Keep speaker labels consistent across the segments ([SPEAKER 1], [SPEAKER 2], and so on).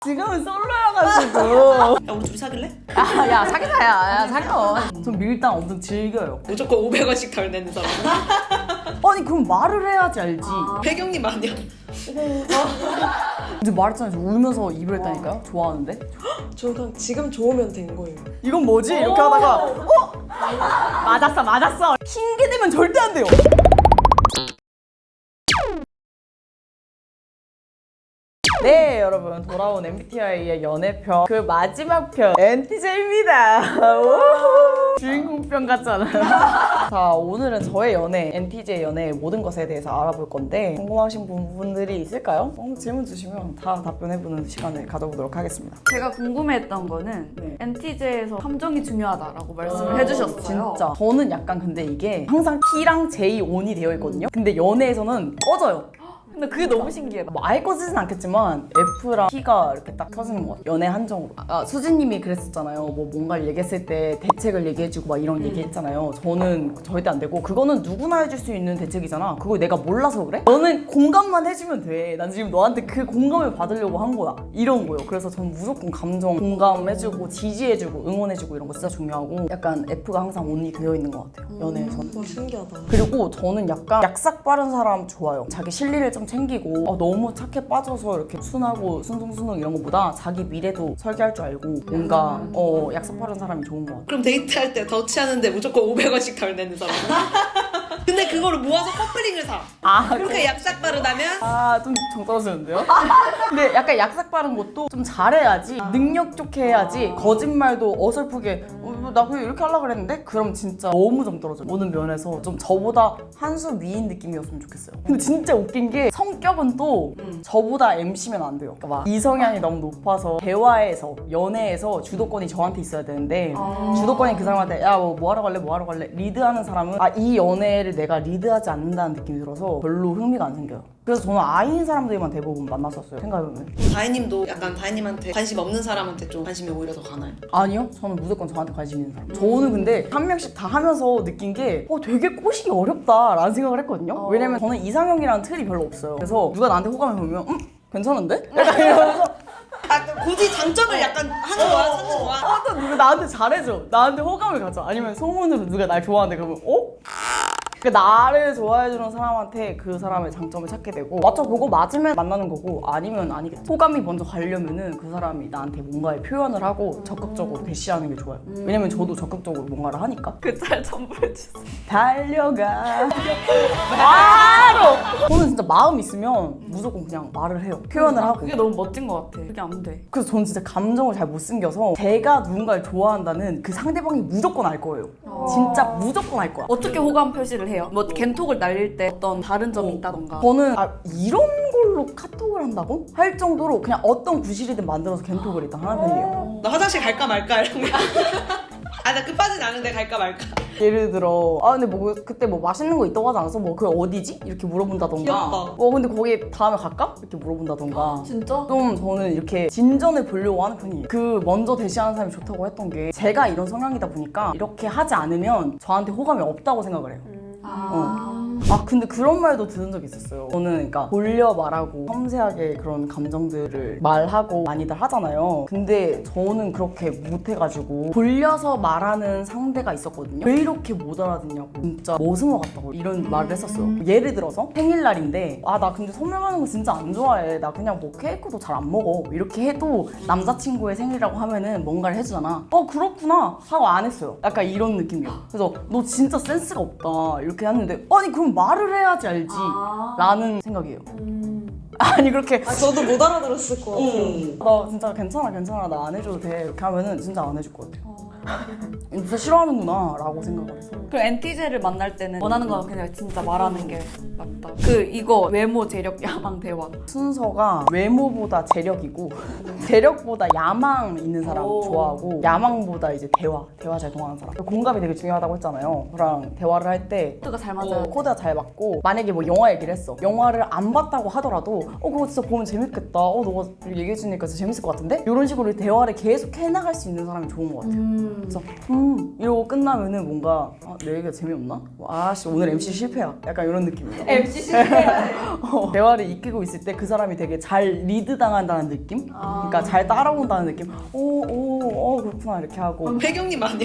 [SPEAKER 1] 지금은 솔로여가지고.
[SPEAKER 2] 야 우리 둘이 사귈래?
[SPEAKER 1] 야 사귀자 야 사겨. 전 밀당 엄청 즐겨요.
[SPEAKER 2] 무조건 500원씩 덜 내는 사람.
[SPEAKER 1] 아니 그럼 말을 해야지 알지.
[SPEAKER 2] 배경님 아니야?
[SPEAKER 1] 이제 말했잖아요. 저 울면서 입을 했다니까요. 좋아하는데.
[SPEAKER 3] 저는 그냥 지금 좋으면 된 거예요.
[SPEAKER 1] 이건 뭐지? 이렇게 하다가 맞았어. 핑계 대면 절대 안 돼요. 네 여러분 돌아온 MBTI의 연애편 그 마지막 편 NTJ입니다. 주인공 편 같잖아요. 자 오늘은 저의 연애 NTJ 연애의 모든 것에 대해서 알아볼 건데 궁금하신 부분들이 있을까요? 질문 주시면 다 답변해보는 시간을 가져보도록 하겠습니다.
[SPEAKER 4] 제가 궁금해했던 거는
[SPEAKER 1] 네.
[SPEAKER 4] NTJ에서 함정이 중요하다라고 말씀을 해주셨어요.
[SPEAKER 1] 진짜 저는 약간 근데 이게 항상 T랑 J 온이 되어 있거든요. 근데 연애에서는 꺼져요.
[SPEAKER 4] 근데 그게 너무 신기해.
[SPEAKER 1] 뭐 아예 꺼지진 않겠지만 F랑 T가 이렇게 딱 켜지는 것 같아요. 연애 한정으로. 수진님이 그랬었잖아요. 뭐 뭔가를 얘기했을 때 대책을 얘기해주고 막 이런 얘기했잖아요. 저는 절대 안 되고 그거는 누구나 해줄 수 있는 대책이잖아. 그걸 내가 몰라서 그래? 너는 공감만 해주면 돼. 난 지금 너한테 그 공감을 받으려고 한 거야. 이런 거요. 그래서 저는 무조건 감정 공감해주고 지지해주고 응원해주고 이런 거 진짜 중요하고 약간 F가 항상 온이 되어 있는 것 같아요. 연애에서는.
[SPEAKER 3] 와 신기하다.
[SPEAKER 1] 그리고 저는 약간 약삭 빠른 사람 좋아요. 자기 실리를 좀 챙기고 너무 착해 빠져서 이렇게 순하고 순둥순둥 이런 것보다 자기 미래도 설계할 줄 알고 뭔가 약삭 빠른 사람이 좋은 것 같아요.
[SPEAKER 2] 그럼 데이트할 때 더치하는데 무조건 500원씩 덜 내는 사람. 근데 그거를 모아서 커플링을 사. 그렇게 약삭 빠르다면
[SPEAKER 1] 좀 정 떨어지는데요? 근데 약간 약삭 빠른 것도 좀 잘해야지 능력 좋게 해야지 거짓말도 어설프게 나 그냥 이렇게 하려고 그랬는데 그럼 진짜 너무 정 떨어져요. 모든 면에서 좀 저보다 한 수 위인 느낌이었으면 좋겠어요. 근데 진짜 웃긴 게 성격은 또 저보다 MC면 안 돼요. 그러니까 막 이성향이 너무 높아서 대화에서 연애에서 주도권이 저한테 있어야 되는데 주도권이 그 사람한테 야 뭐 하러 갈래 리드하는 사람은 이 연애를 내가 리드하지 않는다는 느낌이 들어서 별로 흥미가 안 생겨요. 그래서 저는 I인 사람들만 대부분 만났었어요. 생각해보면.
[SPEAKER 2] 다혜님도 약간 다혜님한테 관심 없는 사람한테 좀 관심이 오히려 더 가나요?
[SPEAKER 1] 아니요. 저는 무조건 저한테 관심 있는 사람. 저는 근데 한 명씩 다 하면서 느낀 게 되게 꼬시기 어렵다라는 생각을 했거든요. 왜냐면 저는 이상형이라는 틀이 별로 없어요. 그래서 누가 나한테 호감을 보면 괜찮은데? 약간 이러면서
[SPEAKER 2] 굳이 장점을 약간 하는 거야, 찾는 거야.
[SPEAKER 1] 또 누가 나한테 잘해줘. 나한테 호감을 가져. 아니면 소문으로 누가 날 좋아하는데 그러면 그러니까 나를 좋아해주는 사람한테 그 사람의 장점을 찾게 되고 맞춰보고 맞으면 만나는 거고 아니면 아니겠지. 호감이 먼저 가려면은 그 사람이 나한테 뭔가를 표현을 하고 적극적으로 대시하는 게 좋아요. 왜냐면 저도 적극적으로 뭔가를 하니까.
[SPEAKER 4] 그 짤 첨부해주세요.
[SPEAKER 1] 달려가 바로 저는 진짜 마음 있으면 무조건 그냥 말을 해요. 표현을 하고.
[SPEAKER 4] 그게 너무 멋진 것 같아. 그게 안 돼.
[SPEAKER 1] 그래서 저는 진짜 감정을 잘 못 숨겨서 제가 누군가를 좋아한다는 그 상대방이 무조건 알 거예요. 진짜 무조건 알 거야.
[SPEAKER 4] 어떻게 호감 표시를 해요? 뭐 겐톡을 날릴 때 어떤 다른 점이 있다던가.
[SPEAKER 1] 저는 이런 걸로 카톡을 한다고? 할 정도로 그냥 어떤 구실이든 만들어서 겐톡을 일단 하는 편이에요.
[SPEAKER 2] 나 화장실 갈까 말까 이런 거. 나 끝까지는 아는데 갈까 말까.
[SPEAKER 1] 예를 들어 근데 뭐 그때 뭐 맛있는 거 있다고 하지 않았어? 뭐 그게 어디지? 이렇게 물어본다던가
[SPEAKER 2] 귀엽다.
[SPEAKER 1] 근데 거기 다음에 갈까? 이렇게 물어본다던가
[SPEAKER 4] 진짜?
[SPEAKER 1] 좀 저는 이렇게 진전을 보려고 하는 편이에요. 그 먼저 대시하는 사람이 좋다고 했던 게 제가 이런 성향이다 보니까 이렇게 하지 않으면 저한테 호감이 없다고 생각을 해요. 근데 그런 말도 들은 적이 있었어요. 저는 그러니까 돌려 말하고 섬세하게 그런 감정들을 말하고 많이들 하잖아요. 근데 저는 그렇게 못해가지고 돌려서 말하는 상대가 있었거든요. 왜 이렇게 못 알아듣냐고 진짜 머슴어 같다고 이런 말을 했었어요. 예를 들어서 생일날인데 나 근데 선물 받는 거 진짜 안 좋아해. 나 그냥 뭐 케이크도 잘 안 먹어. 이렇게 해도 남자친구의 생일이라고 하면은 뭔가를 해주잖아. 그렇구나 하고 안 했어요. 약간 이런 느낌이에요. 그래서 너 진짜 센스가 없다 이렇게 했는데 아니 그럼 말을 해야지 알지 라는 생각이에요. 아니 그렇게
[SPEAKER 3] 저도 못 알아들었을 것 같아요.
[SPEAKER 1] 나 진짜 괜찮아 나 안 해줘도 돼 이렇게 하면은 진짜 안 해줄 것 같아요. 진짜 싫어하는구나 라고 생각을 했어.
[SPEAKER 4] 그 NTJ를 만날 때는 원하는 건 그냥 진짜 말하는 게 맞다. 이거 외모, 재력, 야망, 대화.
[SPEAKER 1] 순서가 외모보다 재력이고 재력보다 야망 있는 사람 좋아하고 야망보다 이제 대화 잘 통하는 사람. 공감이 되게 중요하다고 했잖아요. 저랑 대화를 할 때
[SPEAKER 4] 코드가 잘 맞아요.
[SPEAKER 1] 코드가 잘 맞고 만약에 뭐 영화 얘기를 했어. 영화를 안 봤다고 하더라도 그거 진짜 보면 재밌겠다. 너가 얘기해주니까 진짜 재밌을 것 같은데? 이런 식으로 대화를 계속 해나갈 수 있는 사람이 좋은 것 같아요. 그래서 이러고 끝나면은 뭔가 내 얘기가 재미없나? 아씨 오늘 MC 실패야. 약간 이런 느낌이에요.
[SPEAKER 4] MC 실패.
[SPEAKER 1] 대화를 이끌고 있을 때 그 사람이 되게 잘 리드 당한다는 느낌? 그러니까 잘 따라온다는 느낌? 그렇구나 이렇게 하고
[SPEAKER 2] 혜경님 아니야?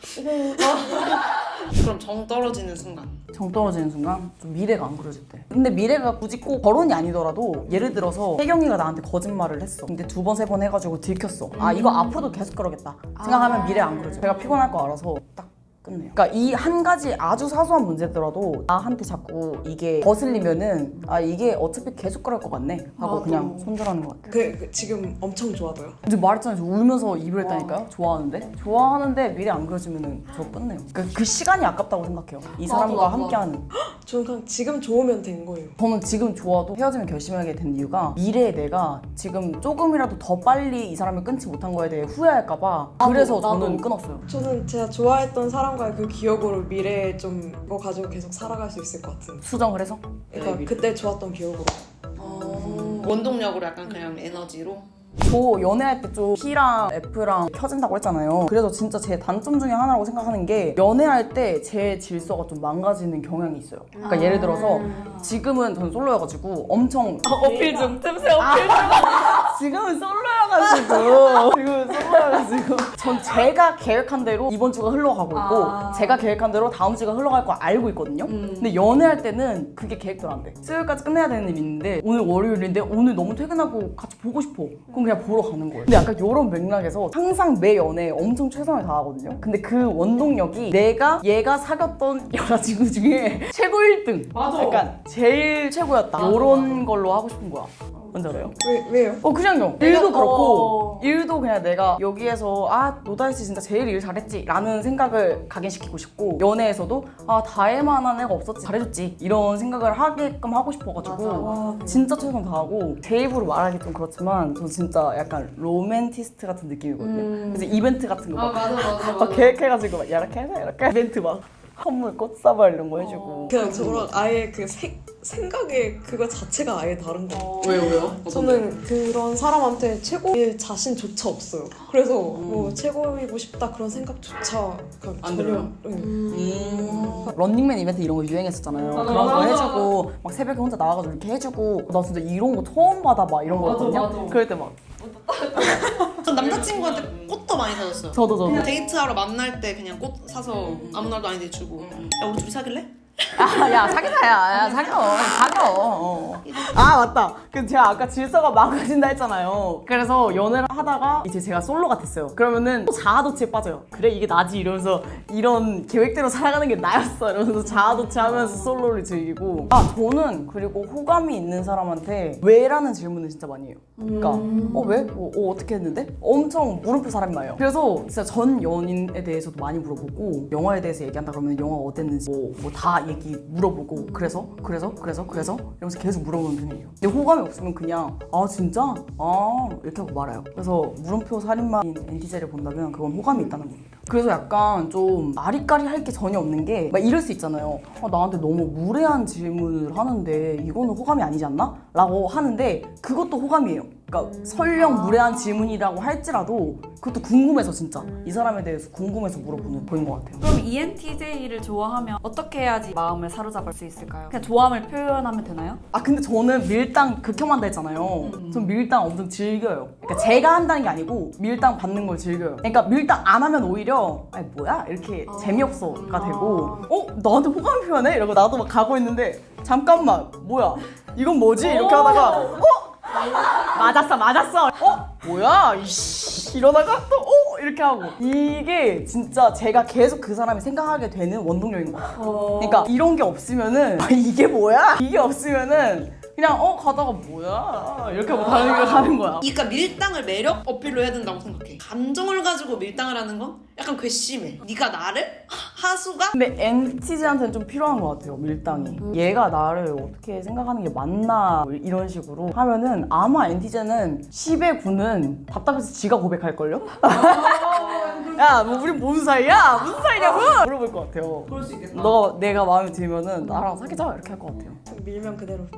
[SPEAKER 2] 그럼 정 떨어지는 순간.
[SPEAKER 1] 정 떨어지는 순간 좀 미래가 안 그려질 때. 근데 미래가 굳이 꼭 결혼이 아니더라도 예를 들어서 혜경이가 나한테 거짓말을 했어. 근데 2번, 3번 해가지고 들켰어. 이거 앞으로도 계속 그러겠다 생각하면 미래 안 그려져. 제가 피곤할 거 알아서 딱 끝내요. 그러니까 이 한 가지 아주 사소한 문제더라도 나한테 자꾸 이게 거슬리면은 이게 어차피 계속 그럴 것 같네 하고 그냥 손절하는 것 같아요.
[SPEAKER 3] 지금 엄청 좋아져요.
[SPEAKER 1] 이제 말했잖아요. 저 울면서 이별했다니까요. 좋아하는데 미래 안 그려지면은 저 끝내요. 그 시간이 아깝다고 생각해요. 이 사람과 함께하는.
[SPEAKER 3] 저는 그냥 지금 좋으면 된 거예요.
[SPEAKER 1] 저는 지금 좋아도 헤어지면 결심하게 된 이유가 미래에 내가 지금 조금이라도 더 빨리 이 사람을 끊지 못한 거에 대해 후회할까봐 그래서 저는 끊었어요.
[SPEAKER 3] 저는 제가 좋아했던 사람과의 그 기억으로 미래에 좀 그거 가지고 계속 살아갈 수 있을 것 같은.
[SPEAKER 1] 수정을 해서?
[SPEAKER 3] 그러니까 그때 좋았던 기억으로.
[SPEAKER 2] 원동력으로 약간 그냥 에너지로.
[SPEAKER 1] 저 연애할 때 좀 T랑 F랑 켜진다고 했잖아요. 그래서 진짜 제 단점 중에 하나라고 생각하는 게 연애할 때 제 질서가 좀 망가지는 경향이 있어요. 그러니까 예를 들어서 지금은 전 솔로여가지고 엄청
[SPEAKER 4] 어필 중, 틈새 어필 중.
[SPEAKER 1] 지금은 솔로여가지고 전 제가 계획한 대로 이번 주가 흘러가고 있고 제가 계획한 대로 다음 주가 흘러갈 거 알고 있거든요. 근데 연애할 때는 그게 계획대로 안 돼. 수요일까지 끝내야 되는 일이 있는데 오늘 월요일인데 오늘 너무 퇴근하고 같이 보고 싶어. 그럼 그냥 보러 가는 거예요. 근데 약간 이런 맥락에서 항상 매 연애에 엄청 최선을 다하거든요. 근데 그 원동력이 내가 얘가 사귀었던 여자친구 중에 최고 1등.
[SPEAKER 2] 맞아.
[SPEAKER 1] 약간 제일 최고였다. 이런 걸로 하고 싶은 거야. 뭔지 알아요?
[SPEAKER 3] 왜요?
[SPEAKER 1] 그냥요. 일도 그렇고 일도 그냥 내가 여기에서 노다이씨 진짜 제일 일 잘했지 라는 생각을 각인시키고 싶고 연애에서도 다혜만한 애가 없었지 잘해줬지 이런 생각을 하게끔 하고 싶어가지고 진짜 최선 다하고 제 입으로 말하기 좀 그렇지만 저 진짜 약간 로맨티스트 같은 느낌이거든요. 그래서 이벤트 같은 거 막 계획해가지고 막 이렇게 해서 이렇게 이벤트 막 선물 꽃사발 이런 거 해주고
[SPEAKER 3] 그냥 저랑 아예 그 생각의 그거 자체가 아예 다른 거.
[SPEAKER 2] 왜요?
[SPEAKER 3] 저는 그런 사람한테 최고일 자신조차 없어요. 그래서 뭐 최고이고 싶다 그런 생각조차 그냥
[SPEAKER 2] 안
[SPEAKER 3] 전혀.
[SPEAKER 2] 들어요?
[SPEAKER 1] 런닝맨 이벤트 이런 거 유행했었잖아요. 그런 거 해주고 막 새벽에 혼자 나와가지고 이렇게 해주고 나 진짜 이런 거 처음 받아 막 이런 거거든요. 그럴 때 막
[SPEAKER 2] 전 남자친구한테 꽃도 많이 사줬어요.
[SPEAKER 1] 저도
[SPEAKER 2] 데이트하러 만날 때 그냥 꽃 사서 아무 날도 아닌데 주고 야 우리 둘이 사귈래?
[SPEAKER 1] 야 사귀자 야 사겨. 맞다. 그 제가 아까 질서가 망가진다 했잖아요. 그래서 연애를 하다가 이제 제가 솔로가 됐어요. 그러면은 또 자아도취에 빠져요. 그래 이게 나지 이러면서 이런 계획대로 살아가는 게 나였어 이러면서 자아도취하면서 솔로를 즐기고 저는 그리고 호감이 있는 사람한테 왜라는 질문을 진짜 많이 해요. 그러니까 왜? 어떻게 했는데? 엄청 물음표 사람이 많아요. 그래서 진짜 전 연인에 대해서도 많이 물어보고 영화에 대해서 얘기한다 그러면 영화 어땠는지 뭐 다 얘기 물어보고 그래서 이러면서 계속 물어보는 편이에요. 근데 호감이 없으면 그냥 진짜? 이렇게 하고 말아요. 그래서 물음표 살인마인 엔티제를 본다면 그건 호감이 있다는 겁니다. 그래서 약간 좀 아리까리 할 게 전혀 없는 게 막 이럴 수 있잖아요. 나한테 너무 무례한 질문을 하는데 이거는 호감이 아니지 않나? 라고 하는데 그것도 호감이에요. 그러니까 설령 무례한 질문이라고 할지라도 그것도 궁금해서 진짜 이 사람에 대해서 궁금해서 물어보는 거인 것 같아요.
[SPEAKER 4] 그럼 ENTJ를 좋아하면 어떻게 해야지 마음을 사로잡을 수 있을까요? 그냥 좋아함을 표현하면 되나요?
[SPEAKER 1] 근데 저는 밀당 극혐한다 했잖아요. 전 밀당 엄청 즐겨요. 그러니까 제가 한다는 게 아니고 밀당 받는 걸 즐겨요. 그러니까 밀당 안 하면 오히려 뭐야? 이렇게 재미없어가 되고 나한테 호감 표현해? 이러고 나도 막 가고 있는데 잠깐만 뭐야? 이건 뭐지? 이렇게 하다가 맞았어 뭐야 이씨 이러다가 또 이렇게 하고 이게 진짜 제가 계속 그 사람이 생각하게 되는 원동력인 것 같아요. 그러니까 이런 게 없으면은 이게 뭐야? 이게 없으면은 그냥 가다가 뭐야 이렇게 하고 가는 거야.
[SPEAKER 2] 그러니까 밀당을 매력 어필로 해야 된다고 생각해. 감정을 가지고 밀당을 하는 건 약간 괘씸해. 네가 나를? 하수가?
[SPEAKER 1] 근데 NTJ한테는 좀 필요한 것 같아요, 밀당이. 얘가 나를 어떻게 생각하는 게 맞나 이런 식으로 하면은 아마 NTJ는 10의 9는 답답해서 지가 고백할걸요? 야, 뭐 우리 무슨 사이야? 무슨 사이냐고? 물어볼 것 같아요.
[SPEAKER 2] 그럴 수 있겠다.
[SPEAKER 1] 내가 마음에 들면은 나랑 사귀자 이렇게 할 것 같아요.
[SPEAKER 3] 밀면 그대로.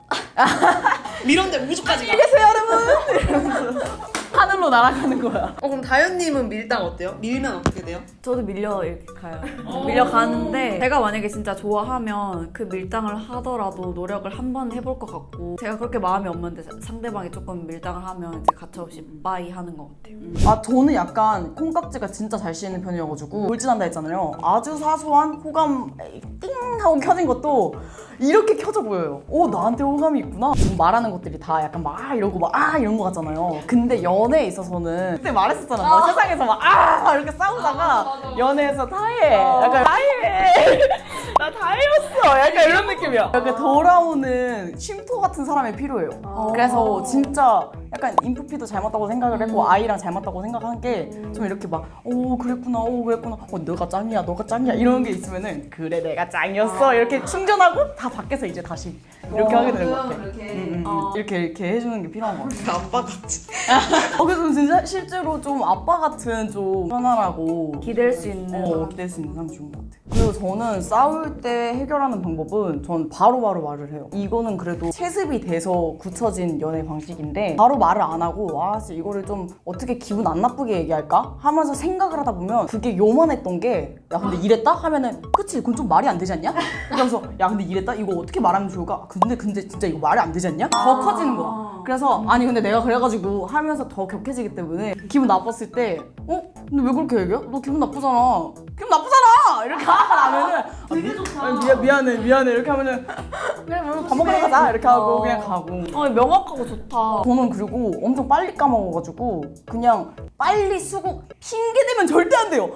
[SPEAKER 2] 밀었는데 우주까지 가.
[SPEAKER 1] 계세요 여러분. 하늘로 날아가는 거야.
[SPEAKER 2] 그럼 다현님은 밀당 어때요? 밀면 어떻게 돼요?
[SPEAKER 4] 저도 밀려 이렇게 가요. 밀려가는데 제가 만약에 진짜 좋아하면 그 밀당을 하더라도 노력을 한번 해볼 것 같고 제가 그렇게 마음이 없는데 상대방이 조금 밀당을 하면 이제 가차없이 빠이 하는 것 같아요.
[SPEAKER 1] 아 저는 약간 콩깍지가 진짜 잘 씌이는 편이어가지고 돌진한다 했잖아요. 아주 사소한 호감 띵 하고 켜진 것도 이렇게 켜져 보여요. 오 나한테 호감이 있구나. 지금 말하는 것들이 다 약간 막 이러고 막 이런 거 같잖아요. 근데 연애에 있어서는 그때 말했었잖아. 나 세상에서 막 이렇게 싸우다가 연애에서 다해. 약간 다해. 나 다해였어. 약간 이런 느낌이야. 약간 돌아오는 쉼터 같은 사람이 필요해요. 그래서 진짜 약간 인프피도 잘 맞다고 생각을 했고 아이랑 잘 맞다고 생각한 게 좀 이렇게 막 그랬구나 너가 짱이야 너가 짱이야 이런 게 있으면은 그래 내가 짱이었어 이렇게 충전하고 다 밖에서 이제 다시 이렇게 하게 되는 것 같아. 이렇게 해주는 게 필요한 것 같아.
[SPEAKER 3] 아빠 같이.
[SPEAKER 1] 그래서 진짜 실제로 좀 아빠 같은 좀 편안하고
[SPEAKER 4] 기댈 수 있는
[SPEAKER 1] 기댈 수 있는 사람이 좋은 것 같아요. 그리고 저는 싸울 때 해결하는 방법은 전 바로바로 말을 해요. 이거는 그래도 체습이 돼서 굳혀진 연애 방식인데 바로 말을 안 하고 진짜 이거를 좀 어떻게 기분 안 나쁘게 얘기할까? 하면서 생각을 하다 보면 그게 요만했던 게 야 근데 이랬다? 하면은 그치 그건 좀 말이 안 되지 않냐? 그러면서 야 근데 이랬다? 이거 어떻게 말하면 좋을까? 근데 진짜 이거 말이 안 되지 않냐? 더 커지는 거야. 그래서 아니 근데 내가 그래가지고 하면서 더 격해지기 때문에 기분 나빴을 때 근데 왜 그렇게 얘기해? 너 기분 나쁘잖아. 기분 나쁘잖아! 이렇게 하면은 되게 좋다. 미안해 이렇게 하면은 그래 밥 먹으러 가자 이렇게 하고 그냥 가고.
[SPEAKER 4] 명확하고 좋다.
[SPEAKER 1] 저는 그리고 엄청 빨리 까먹어가지고 그냥 빨리 쓰고 핑계 대면 절대 안 돼요.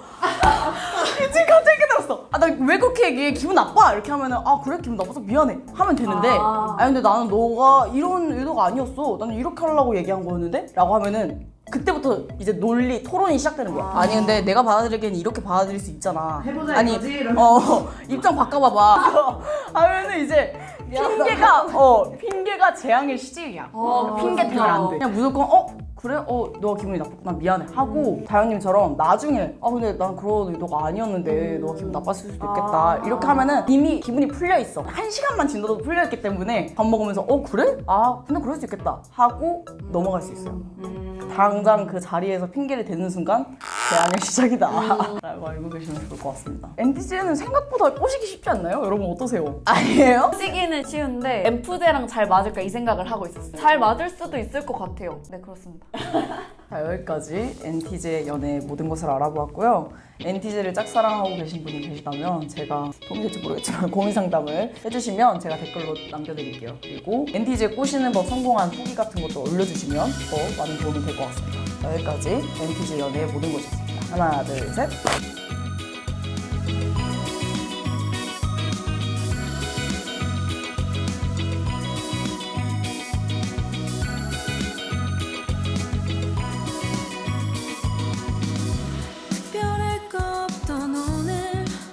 [SPEAKER 1] 지금 갑자기 깨달았어. 나 왜 그렇게 얘기해? 기분 나빠? 이렇게 하면은 그래 기분 나빠서 미안해 하면 되는데 근데 나는 너가 이런 의도가 아니었어. 나는 이렇게 하려고 얘기한 거였는데? 라고 하면은 그때부터 이제 논리, 토론이 시작되는 거야. 아니 근데 내가 받아들이기에는 이렇게 받아들일 수 있잖아.
[SPEAKER 2] 해보자
[SPEAKER 1] 아니
[SPEAKER 2] 이거지?
[SPEAKER 1] 입장 바꿔봐봐. 하면은 이제 핑계가 재앙의 시작이야. 핑계 대면 안 돼. 그냥 무조건 그래? 너가 기분이 나빴구나 미안해 하고 다현님처럼 나중에 근데 난 그런 의도가 아니었는데 너가 기분 나빴을 수도 있겠다 이렇게 하면은 이미 기분이 풀려 있어. 1시간만 지나도 풀려 있기 때문에 밥 먹으면서 그래? 근데 그럴 수 있겠다 하고 넘어갈 수 있어요. 당장 그 자리에서 핑계를 대는 순간 재앙의 시작이다 라고 알고 계시면 좋을 것 같습니다. NTJ는 생각보다 꼬시기 쉽지 않나요? 여러분 어떠세요? 아니에요?
[SPEAKER 4] 시기는 쉬운데 엠프제랑 잘 맞을까 이 생각을 하고 있었어요. 잘 맞을 수도 있을 것 같아요. 네 그렇습니다.
[SPEAKER 1] 자 여기까지 NTJ의 연애의 모든 것을 알아보았고요. NTJ를 짝사랑하고 계신 분이 계시다면 제가 도움이 될지 모르겠지만 고민 상담을 해주시면 제가 댓글로 남겨드릴게요. 그리고 NTJ 꼬시는 법 성공한 후기 같은 것도 올려주시면 더 많은 도움이 될 것 같습니다. 여기까지 NTJ 연애의 모든 것이었습니다. 하나 둘 셋.